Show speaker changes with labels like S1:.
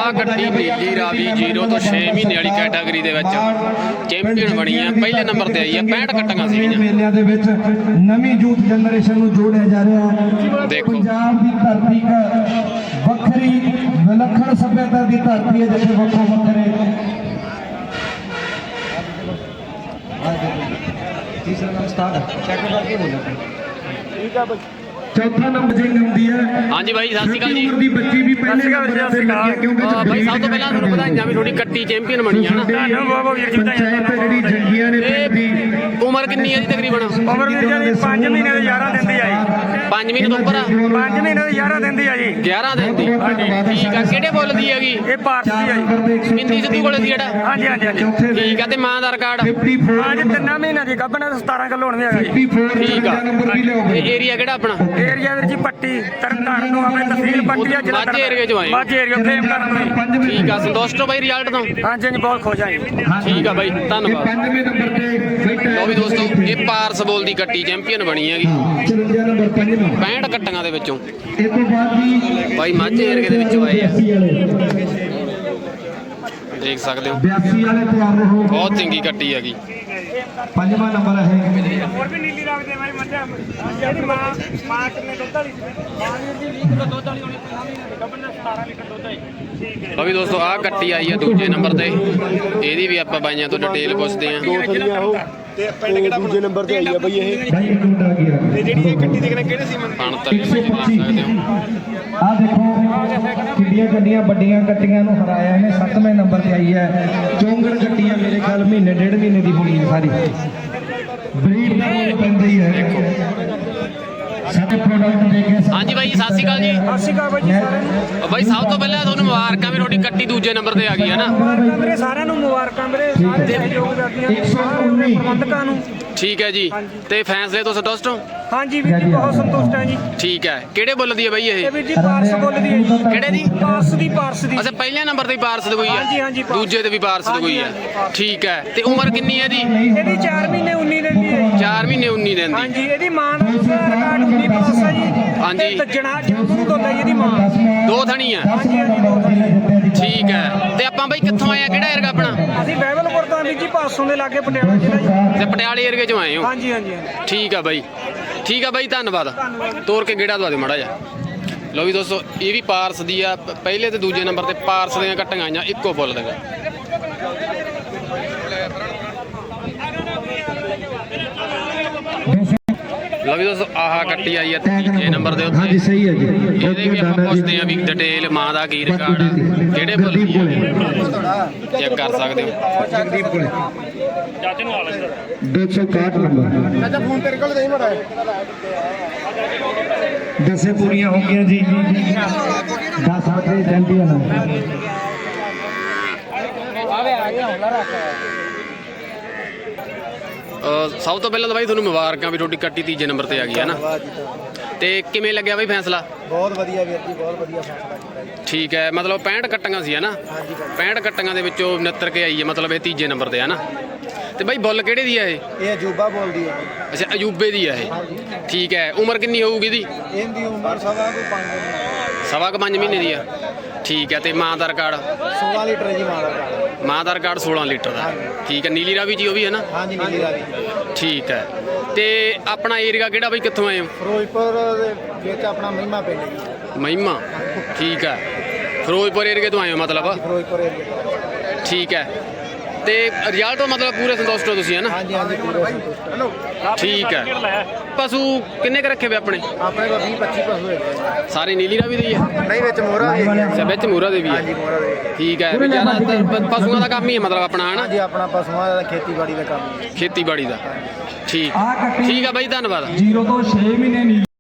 S1: ਆਹ ਗੱਡੀ ਨੀਲੀ ਰਾਵੀ 0 ਤੋਂ 6 ਮਹੀਨੇ ਵਾਲੀ ਕੈਟਾਗਰੀ ਦੇ ਵਿੱਚ ਚੈਂਪੀਅਨ ਬਣੀ ਆ। ਪਹਿਲੇ ਨੰਬਰ ਤੇ ਆਈ ਆ। 65 ਕੱਟੀਆਂ ਸੀਗੀਆਂ।
S2: ਮੇਲਿਆਂ ਦੇ ਵਿੱਚ ਨਵੀਂ ਯੂਥ ਜਨਰੇਸ਼ਨ ਨੂੰ ਜੋੜਿਆ ਜਾ ਰਿਹਾ ਹੈ।
S1: ਦੇਖੋ
S2: ਪੰਜਾਬ ਦੀ ਧਰਤੀ ਇੱਕ ਵੱਖਰੀ ਵਿਲੱਖਣ ਸੱਭਿਅਤਾ ਦੀ ਧਰਤੀ ਹੈ ਜਿੱਥੇ ਵੱਖੋ ਵੱਖਰੇ ਤੀਸਰਾ ਨਾਮ ਸਟਾਰਟ ਚੈੱਕ ਕਰਕੇ ਬੋਲੋ। ਠੀਕ ਆ ਬਈ। ਚੌਥਾ ਨੰਬਰ ਜਿੰਗ ਹੁੰਦੀ ਹੈ।
S1: ਹਾਂਜੀ ਬਾਈ ਸਤਿ ਸ਼੍ਰੀ ਅਕਾਲ ਜੀ।
S2: ਦੀ ਬੱਚੀ ਵੀ ਪਹਿਲੇ ਨੰਬਰ ਤੇ ਲੱਗੀ ਕਿਉਂਕਿ
S1: ਬਾਈ ਸਭ ਤੋਂ ਪਹਿਲਾਂ ਤੁਹਾਨੂੰ ਵਧਾਈਆਂ ਵੀ ਤੁਹਾਡੀ ਕੱਟੀ ਚੈਂਪੀਅਨ ਬਣੀ ਆ ਨਾ।
S2: ਜਿਹੜੀ ਜੰਗੀਆਂ ਨੇ
S1: ਇਹ ਉਮਰ ਕਿੰਨੀ ਹੈ ਜੀ ਤਕਰੀਬਨ?
S3: ਉਮਰ ਵੀਰ ਜੀ 5 ਮਹੀਨੇ ਦੇ 11 ਦਿਨ ਦੀ ਆਈ।
S1: 5 ਮਹੀਨੇ ਤੋਂ ਉੱਪਰ ਆ?
S3: 5 ਮਹੀਨੇ ਦੇ 11 ਦਿਨ ਦੀ ਆ ਜੀ।
S1: 11 ਦਿਨ ਦੀ। ਠੀਕ ਆ। ਕਿਹੜੇ ਬੁੱਲ ਦੀ ਹੈਗੀ?
S3: ਇਹ ਭਾਰਤ ਦੀ ਆ ਜੀ।
S1: ਬਿੰਦੀ ਸਿੱਧੂ ਕੋਲੇ ਸੀ ਜਿਹੜਾ?
S3: ਹਾਂਜੀ ਹਾਂਜੀ ਹਾਂਜੀ।
S1: ਠੀਕ ਆ। ਤੇ ਮਾਂ ਦਾ ਰਿਕਾਰਡ?
S2: 54
S3: ਅੱਜ 3 ਮਹੀਨੇ ਦੀ ਗੱਭਣ 17 ਕਿਲੋ ਹੋਣ ਵੀ ਹੈਗਾ ਜੀ।
S2: 54
S1: ਠੀਕ ਆ।
S2: ਨੰਬਰ ਵੀ ਲਿਆਓ
S1: ਇਹ ਏਰੀਆ ਕਿਹੜਾ ਆਪਣਾ?
S3: ਏਰੀਆ ਵੀਰ ਜੀ ਪੱਟੀ ਤਰਨਤਾਰਨ ਤੋਂ ਆਪਣੇ ਤਹਿਸੀਲ ਪੱਟੀ ਆ ਜ਼ਿਲ੍ਹਾ
S1: ਮਾਝੇ ਏਰੀਏ ਚੋਂ ਆਏ?
S3: ਮਾਝੇ ਏਰੀਆ ਫੇਮ ਕਰਨ ਤੋਂ ਜੀ।
S1: ਠੀਕ ਆ। ਸੰਤੁਸ਼ਟ ਹੋ ਬਾਈ ਰਿਜ਼ਲਟ ਤੋਂ?
S3: ਹਾਂਜੀ ਹਾਂਜੀ ਬਹੁਤ ਖੁਸ਼ ਆ ਜੀ।
S1: ਠੀਕ ਆ ਬਾਈ ਧੰਨਵਾਦ।
S2: 95 ਨੰਬਰ ਤੇ
S1: ਲੋ ਵੀ ਦੋਸਤੋ ਇਹ ਪਾਰਸ ਬੋਲ ਦੀ ਕੱਟੀ ਚੈਂਪੀਅਨ ਬਣੀ ਹੈਗੀ
S2: 54 ਨੰਬਰ 5ਵਾਂ
S1: 65 ਕੱਟੀਆਂ ਦੇ ਵਿੱਚੋਂ।
S2: ਇਹ ਤੋਂ ਬਾਅਦ ਵੀ
S1: ਬਾਈ ਮਾਝੇ ਏਰੀਏ ਦੇ ਵਿੱਚੋਂ ਆਏ ਆ।
S2: 82 ਵਾਲੇ
S1: ਦੇਖ ਸਕਦੇ ਹੋ
S2: 82 ਵਾਲੇ ਤਿਆਰ ਰਹੋ।
S1: ਬਹੁਤ ਚੰਗੀ ਕੱਟੀ ਹੈਗੀ।
S2: 5ਵਾਂ ਨੰਬਰ ਹੈ।
S3: ਹੋਰ ਵੀ ਨੀਲੀ ਰੱਖਦੇ ਬਾਈ ਮੱਝਾਂ ਜਿਹੜੀ ਮਾਂ ਕਿੰਨੇ ਦੁੱਧ ਵਾਲੀ ਮਾਂ ਵੀਰ ਜੀ 20 ਕਿਲੋ ਦੁੱਧ ਵਾਲੀ ਹੋਣੀ 5 ਮਹੀਨੇ ਦੀ ਗੱਭਣ 17 ਲੀਟਰ ਦੁੱਧ ਹੈ। ਠੀਕ ਹੈ
S1: ਲੋ ਵੀ ਦੋਸਤੋ ਆਹ ਕੱਟੀ ਆਈ ਆ ਦੂਜੇ ਨੰਬਰ ਤੇ। ਇਹਦੀ ਵੀ ਆਪਾਂ ਬਾਈਆਂ ਤੋਂ ਡਿਟੇਲ ਪੁੱਛਦੇ ਆ।
S4: ਤੇ ਪਿੰਡ ਕਿਹੜਾ ਦੂਜੇ ਨੰਬਰ ਤੇ ਆਈ ਆ ਬਈ ਇਹ।
S2: ਭਾਈ ਇੱਕ ਮਿੰਟ ਆ ਗਿਆ।
S4: ਤੇ ਜਿਹੜੀ ਇਹ ਗੱਡੀ ਦੇਖਣਾ ਕਿਹੜੇ ਸੀ
S1: ਪਣ ਤਲੇ ਬਾਈ ਦੇਖ ਸਕਦੇ ਹੋ।
S2: ਆ ਦੇਖੋ ਕਿੰਨੀਆਂ ਗੱਡੀਆਂ ਵੱਡੀਆਂ ਗੱਡੀਆਂ ਨੂੰ ਹਰਾਇਆ ਇਹਨੇ। 7ਵੇਂ ਨੰਬਰ ਤੇ ਆਈ ਹੈ। ਚੌਂਗੜ ਗੱਡੀਆਂ ਮੇਰੇ ਖਿਆਲ ਮਹੀਨੇ ਡੇਢ ਮਹੀਨੇ ਦੀ ਹੋਣੀ ਹੈ ਸਾਰੀ। ਬਰੀਡ ਦਾ ਮੁੱਲ ਪੈਂਦਾ ਹੀ ਹੈ। ਸਾਡੇ ਪ੍ਰੋਡਕਟ ਦੇ ਕੇ
S1: ਹਾਂਜੀ ਬਾਈ ਸਤਿ ਸ਼੍ਰੀ ਅਕਾਲ ਜੀ।
S3: ਸਤਿ ਸ਼੍ਰੀ ਅਕਾਲ ਬਾਈ ਜੀ ਸਾਰਿਆਂ ਨੂੰ।
S1: ਬਾਈ ਸਭ ਤੋਂ ਪਹਿਲਾਂ ਤੁਹਾਨੂੰ ਮੁਬਾਰਕਾਂ ਵੀ ਤੁਹਾਡੀ ਕੱਟੀ ਦੂਜੇ ਨੰਬਰ ਤੇ ਆ ਗਈ ਹੈ ਨਾ।
S3: ਮੁਬਾਰਕਾਂ ਵੀਰੇ ਸਾਰਿਆਂ ਨੂੰ ਮੁਬਾਰਕਾਂ ਵੀਰੇ ਸਾਰੇ ਸਹਿਯੋਗ ਕਰਦੀਆਂ ਸਾਰੇ ਪ੍ਰਬੰਧਕਾਂ ਨੂੰ।
S1: ਠੀਕ ਹੈ ਜੀ। ਤੇ ਫੈਸਲੇ ਤੋਂ ਸੰਤੁਸ਼ਟ ਹੋ?
S3: ਹਾਂਜੀ ਵੀਰ ਜੀ ਬਹੁਤ ਸੰਤੁਸ਼ਟ ਹਾਂ ਜੀ।
S1: ਠੀਕ ਹੈ। ਕਿਹੜੇ ਬੁੱਲ ਦੀ ਹੈ ਬਾਈ
S3: ਇਹ
S1: ਇਹ?
S3: ਵੀਰ ਜੀ ਪਾਰਸ ਬੋਲਦੀ ਹੈ ਜੀ।
S1: ਕਿਹੜੇ ਦੀ?
S3: ਪਾਰਸ ਦੀ
S1: ਅੱਛਾ ਪਹਿਲੇ ਨੰਬਰ ਤੇ ਹੀ ਪਾਰਸ ਦੀ ਕੋਈ
S3: ਹਾਂਜੀ,
S1: ਹੈ?
S3: ਹਾਂਜੀ, ਪਾਰਸ।
S1: ਦੂਜੇ ਤੇ ਵੀ ਪਾਰਸ ਦੀ ਕੋਈ ਹੈ? ਠੀਕ ਹੈ। ਤੇ ਉਮਰ ਕਿੰਨੀ ਹੈ ਇਹਦੀ?
S3: ਇਹਦੀ 4 ਮਹੀਨੇ 19 ਦਿਨ ਦੀ ਹੈ ਜੀ।
S1: 4 ਮਹੀਨੇ 19 ਦਿਨ ਦੀ।
S3: ਹਾਂਜੀ ਇਹਦੀ ਮਾਂ ਦਾ ਰਿਕਾਰਡ 19 ਪਲੱਸ ਹੈ ਜੀ।
S1: ਹਾਂਜੀ।
S3: ਤੇ ਜਣਾ ਜੰਮੂ ਤੋਂ ਲਈ ਇਹਦੀ ਮਾਂ।
S1: ਦੋ ਥਣੀ ਆ?
S3: ਹਾਂਜੀ ਹਾਂਜੀ ਦੋ ਥਣੀ।
S1: ਠੀਕ ਹੈ। ਤੇ ਆਪਾਂ ਬਾਈ ਕਿੱਥੋਂ ਆਏ ਆ? ਕਿਹੜਾ ਏਰੀਆ ਆਪਣਾ?
S3: ਅਸੀਂ ਬਹਿਬਲਪੁਰ ਤੋਂ ਵੀਰ ਜੀ ਪਾਸੋਂ ਦੇ ਲਾਗੇ ਪਟਿਆਲਾ ਜ਼ਿਲ੍ਹਾ ਜੀ।
S1: ਤੇ ਪਟਿਆਲੇ ਏਰੀਏ ਚੋਂ ਆਏ ਹੋ?
S3: ਹਾਂਜੀ ਹਾਂਜੀ ਹਾਂਜੀ।
S1: ਠੀਕ ਆ ਬਾਈ। ਠੀਕ ਆ ਬਾਈ ਧੰਨਵਾਦ। ਤੋਰ ਕੇ ਗੇੜਾ ਦਵਾ ਦੇ ਮਾੜਾ ਜਿਹਾ। ਲਓ ਵੀ ਦੋਸਤੋ ਇਹ ਵੀ ਪਾਰਸ ਦੀ ਆ। ਪਹਿਲੇ ਤੇ ਦੂਜੇ ਨੰਬਰ ਤੇ ਪਾਰਸ ਦੀਆਂ ਕੱਟੀਆਂ ਆਈਆਂ ਇੱਕੋ ਬੁੱਲ ਦੇ। ਲਓ ਵੀ ਦੋਸਤੋ ਆਹ ਕੱਟੀ ਆਈ ਆ ਤੀਜੇ ਨੰਬਰ ਦੇ ਉੱਤੇ।
S2: ਹਾਂਜੀ ਸਹੀ ਹੈ ਜੀ।
S1: ਇਹਦੇ ਵੀ ਆਪਾਂ ਪੁੱਛਦੇ ਆ ਵੀ ਡਿਟੇਲ ਮਾਂ ਦਾ ਕੀ ਰਿਕਾਰਡ ਆ, ਕਿਹੜੇ ਬੁੱਲ ਦੀ ਆ, ਚੈੱਕ ਕਰ ਸਕਦੇ ਹੋ।
S2: ਜਗਦੀਪ ਕੋਲੇ
S3: ਚਾਚੇ ਨੂੰ ਆ ਲੈ
S2: 261 ਨੰਬਰ।
S4: ਚਾਚਾ ਫੋਨ ਤੇਰੇ ਕੋਲ ਨਹੀਂ ਮੜਾ।
S2: ਦਸੇ ਪੂਰੀਆਂ ਹੋ ਗਈਆਂ ਜੀ। 10 ਵਜੇ ਚੈਂਪੀਅਨ
S1: ਸਭ ਤੋਂ ਪਹਿਲਾਂ ਤਾਂ ਬਾਈ ਤੁਹਾਨੂੰ ਮੁਬਾਰਕਾਂ ਵੀ ਤੁਹਾਡੀ ਕੱਟੀ ਤੀਜੇ ਨੰਬਰ ਤੇ ਆ ਗਈ ਹੈ ਨਾ। ਤੇ ਕਿਵੇਂ ਲੱਗਿਆ ਬਾਈ ਫੈਸਲਾ?
S4: ਬਹੁਤ ਵਧੀਆ ਵੀਰ ਜੀ ਬਹੁਤ ਵਧੀਆ ਫੈਸਲਾ ਕੀਤਾ ਜੀ।
S1: ਠੀਕ ਹੈ। ਮਤਲਬ 65 ਕੱਟੀਆਂ ਸੀ ਹੈ ਨਾ? 65 ਕੱਟੀਆਂ ਦੇ ਵਿੱਚੋਂ 69 ਕੇ ਆਈ ਹੈ। ਮਤਲਬ ਇਹ ਤੀਜੇ ਨੰਬਰ ਤੇ ਹੈ ਨਾ। ਤੇ ਬਾਈ ਬੁੱਲ ਕਿਹੜੇ ਦੀ ਹੈ ਇਹ?
S4: ਇਹ ਅਜੂਬਾ ਬੋਲਦੀ ਹੈ ਜੀ।
S1: ਅੱਛਾ ਅਜੂਬੇ ਦੀ ਹੈ ਇਹ। ਠੀਕ ਹੈ। ਉਮਰ ਕਿੰਨੀ ਹੋਊਗੀ ਇਹਦੀ?
S4: ਇਹਦੀ ਉਮਰ ਸਵਾ ਕੋਈ 5
S1: ਸਵਾ ਕੁ 5 ਮਹੀਨੇ ਦੀ ਆ। ਠੀਕ ਹੈ। ਤੇ ਮਾਂ ਦਾ ਰਿਕਾਰਡ?
S4: 16 ਲੀਟਰ ਜੀ ਮਾਂ ਦਾ ਕਾਰਡ।
S1: ਮਾਂ ਦਾ ਰਿਕਾਰਡ 16 ਲੀਟਰ ਦਾ। ਠੀਕ ਹੈ। ਨੀਲੀ ਰਾਵੀ ਜੀ ਉਹ ਵੀ ਹੈ ਨਾ?
S4: ਹਾਂਜੀ ਨੀਲੀ ਰਾਵੀ।
S1: ਠੀਕ ਹੈ। ਤੇ ਆਪਣਾ ਏਰੀਆ ਕਿਹੜਾ ਬਾਈ ਕਿੱਥੋਂ ਆਏ ਹੋ?
S4: ਫਿਰੋਜ਼ਪੁਰ ਦੇ ਵਿੱਚ ਆਪਣਾ ਮਹਿਮਾ ਪਿੰਡ ਜੀ।
S1: ਮਹਿਮਾ। ਠੀਕ ਹੈ। ਫਿਰੋਜ਼ਪੁਰ ਏਰੀਏ ਤੋਂ ਆਏ ਹੋ ਮਤਲਬ?
S4: ਫਿਰੋਜ਼ਪੁਰ ਏਰੀਆ।
S1: ਠੀਕ ਹੈ। ਤੇ ਰਿਜ਼ਲਟ ਤੋਂ ਮਤਲਬ ਪੂਰੇ ਸੰਤੁਸ਼ਟ ਹੋ ਤੁਸੀਂ ਹੈ ਨਾ?
S4: ਹਾਂਜੀ ਹਾਂਜੀ ਪੂਰੇ ਸੰਤੁਸ਼ਟ।
S1: ਠੀਕ ਹੈ। ਪਸ਼ੂ ਕਿੰਨੇ ਕੁ ਰੱਖੇ ਵੇ ਆਪਣੇ?
S4: ਆਪਣੇ ਕੋਲ 20-25 ਪਸ਼ੂ ਹੈਗੇ।
S1: ਸਾਰੇ ਨੀਲੀ ਰਾਵੀ ਦੇ ਹੀ ਆ?
S4: ਨਹੀਂ ਵਿੱਚ ਮੋਹਰਾ ਵੀ ਹੈਗੀ।
S1: ਅੱਛਾ ਵਿੱਚ ਮੂਰਾ ਦੇ ਵੀ ਆ?
S4: ਹਾਂਜੀ ਮੋਹਰਾ ਦੇ।
S1: ਠੀਕ ਹੈ। ਵੀ ਜ਼ਿਆਦਾਤਰ ਪਸ਼ੂਆਂ ਦਾ ਕੰਮ ਹੀ ਹੈ ਮਤਲਬ ਆਪਣਾ ਹੈ ਨਾ?
S4: ਹਾਂਜੀ ਆਪਣਾ ਪਸ਼ੂਆਂ ਦਾ ਖੇਤੀਬਾੜੀ ਦਾ ਕੰਮ।
S1: ਖੇਤੀਬਾੜੀ ਦਾ। ਠੀਕ। ਠੀਕ ਆ ਬਾਈ ਧੰਨਵਾਦ।
S2: 0 ਤੋਂ 6 ਮਹੀਨੇ ਨੀ